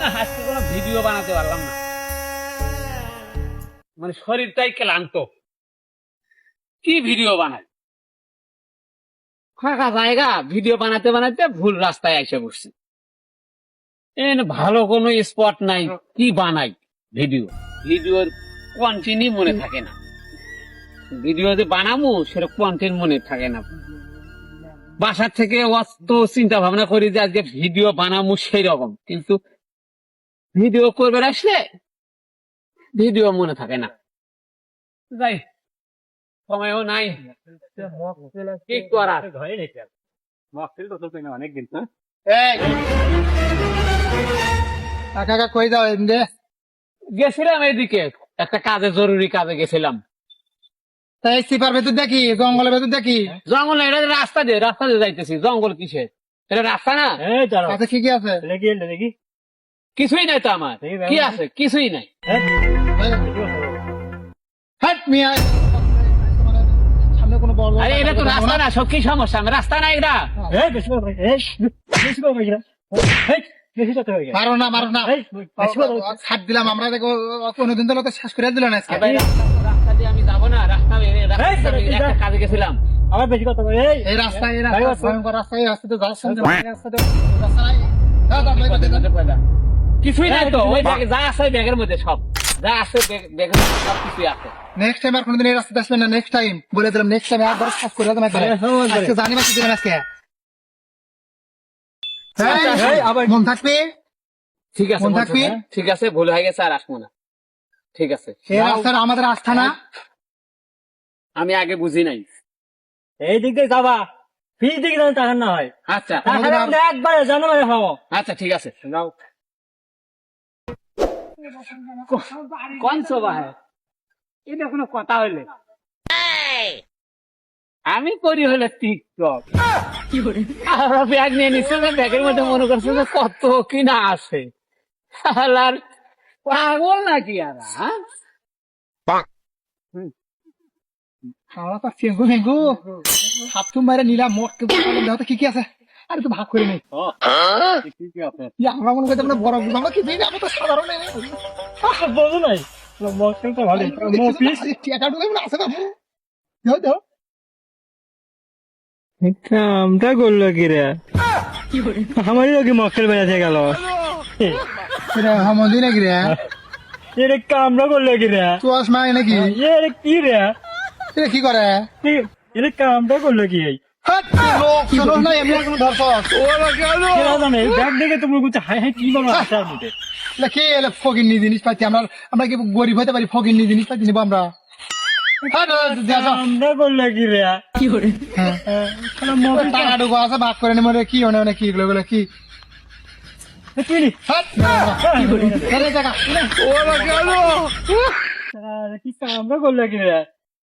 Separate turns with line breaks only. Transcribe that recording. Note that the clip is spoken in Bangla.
আজকে কোনো ভিডিও বানাতে পারলাম না, মানে শরীরটাই ক্লান্ত। কি ভিডিও বানাই, ফাঁকা জায়গা, ভিডিও বানাতে বানাতে ভুল রাস্তায় এসে বসছি। ভালো কোনো স্পট নাই, কি বানাই ভিডিও? ভিডিওর কন্টিনিউ মনে থাকে না, ভিডিও যে বানাবো সেটা কন্টেন্ট মনে থাকে না। বাসার থেকে অত চিন্তা ভাবনা করি যে আজকে ভিডিও বানাবো সেই রকম, কিন্তু ভিডিও করবে আসলে ভিডিও মনে থাকে না। যাই, সময়ও নাই, কি করার।
অনেকদিন
কাকা কই যাও এমনি?
গেছিলাম এদিকে একটা কাজে, জরুরি কাজে গেছিলাম।
তাই সিপার ভেতর দেখি, জঙ্গলের ভেতর দেখি।
জঙ্গল না, এটা রাস্তা দিয়ে যাইতেছি। জঙ্গল কিসের? এটা রাস্তা না।
আচ্ছা কি কি আছে?
দেখি
কিছুই নাই তো আমার। কি আছে? কিছুই নাই।
হাট মিয়া, সামনে কোনো বড়
আরে এটা তো রাস্তা না, সব কি সমস্যা? আমার রাস্তা না এটা।
মারো না, মারো না, ছাড় দিলাম আমরা। দেখো কোনোদিন তো শেষ করে দিল না আজকে।
রাস্তা দিয়ে আমি যাবো না, রাস্তা একটা কাজে গেছিলাম।
আমার বেশি কথা
এই রাস্তায়, এই ভয়ঙ্কর রাস্তায়, এই রাস্তাতে যাচ্ছেন
কিছুই নাই তো। ওই ব্যাগে যা আছে ব্যাগের মধ্যে, সব যা আছে ব্যাগের মধ্যে সব কিছুই আছে।
নেক্সট টাইম আর কোনোদিন এই রাস্তাতে আসবেন না। নেক্সট টাইম বলে দিলাম, নেক্সট টাইম একবার শেষ করে দিলাম। আজকে জানি বাকি দিবেন আজকে। মন থাকবে,
ঠিক আছে,
মন থাকবে।
ঠিক আছে, ভুল হয়ে গেছে, আর আসবো না। ঠিক আছে,
এই রাস্তার আমাদের আস্থা না।
আমি আগে বুঝি নাই।
এই দিক দিয়ে যাবা, ফিস দিকে যেন টাকা না হয়।
আচ্ছা
একবারে জানো হবো।
আচ্ছা, ঠিক আছে, যাও। কোন শোভা হ্যাঁ, এটা কোনো কথা হইলে? আমি করি হলে টিকটক, ব্যাগ নিয়ে নিচ্ছে, ব্যাগের মধ্যে মনে করছে যে কত কি না আছে। আর পাগল নাকি আর?
খাওয়া তো ফেঙ্গু ফেঙ্গু হাতটুম বাইরে নিলাম। মোট কি কি আছে? আরে তো ভাগ করে নেই। আমরা মনে করতে বড় আমরা কি আমরা তো সাধারণ
বোঝো নাই, মক্কেলটা ভালো
টাকা ঢুকে আছে না। দাও দাও,
কামটা করলো কি রে? আমারই কি মক্কেল বেড়াতে গেল?
হামদি নাকি রে?
এটা কামটা করলো কি রে?
চুয়াশ মাই নাকি?
এটা কি রে?
এটা কি করে?
এটা কামটা করলো কি?
ফকিন্নি জিনিস পাচ্ছি আমরা। আমরা কি গরিব হতে পারি? ফকিন্নি জিনিস পাচ্ছি নিবো আমরা।
আমরা করলো কি রে?
টাকা ঢুকো আছে, ভাগ করে নেবো। কি অনেক কি এগুলো কি
কি কামটা করলো কি রে?